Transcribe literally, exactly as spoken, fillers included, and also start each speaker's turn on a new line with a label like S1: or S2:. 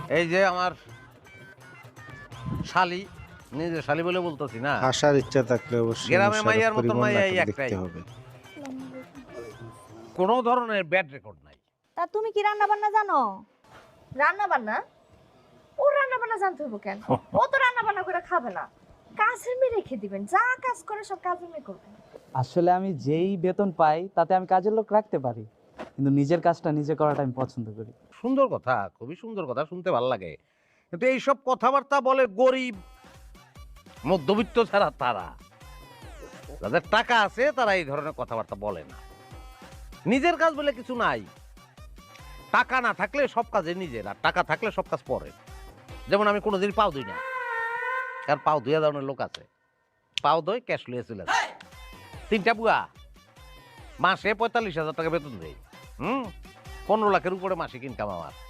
S1: এই যে আমার শালি, নিজের শালি বলে বলতেছি না,
S2: আসার ইচ্ছা থাকলে অবশ্যই
S1: গ্রামে
S2: মোশাররফ
S1: মাইয়ার মতন
S2: করিম
S1: মাইয়া এই
S2: নাটক
S1: একটাই।
S2: দেখতে হবে।
S1: কোনো ধরনের ব্যাড রেকর্ড নাই।
S3: তা তুমি কি রান্না বান্না জানো?
S4: রান্না বান্না? ও রান্না বান্না জানতে হবো কেন? ও তো রান্না বান্না করে খাবে না, কাজের মেয়ে রেখে দিবেন, যা কাজ করে সব কাজের মেয়ে করবে।
S5: আসলে আমি যেই বেতন পাই তাতে আমি কাজের লোক রাখতে পারি, কিন্তু নিজের কাজটা নিজে করাটা আমি পছন্দ করি।
S1: সুন্দর কথা, খুবই সুন্দর কথা, শুনতে ভালো লাগে। কিন্তু এইসব কথাবার্তা বলে গরিব মধ্যবিত্ত ছাড়া তারা, যাদের টাকা আছে তারা এই ধরনের কথাবার্তা বলে না। নিজের কাজ বলে কিছু নাই। টাকা না থাকলে সব কাজে নিজের, আর টাকা থাকলে সব কাজ পরে। যেমন আমি কোনোদিন পাও ধুই না, কারণ পাও ধুয়ে ধরনের লোক আছে, পাও ধুই ক্যাশ লুয়ে চলে আসে। তিনটা বুয়া মাসে পঁয়তাল্লিশ হাজার টাকা বেতন দেয়। হুম, পনেরো লাখের উপরে মাসিক ইনকাম আমার।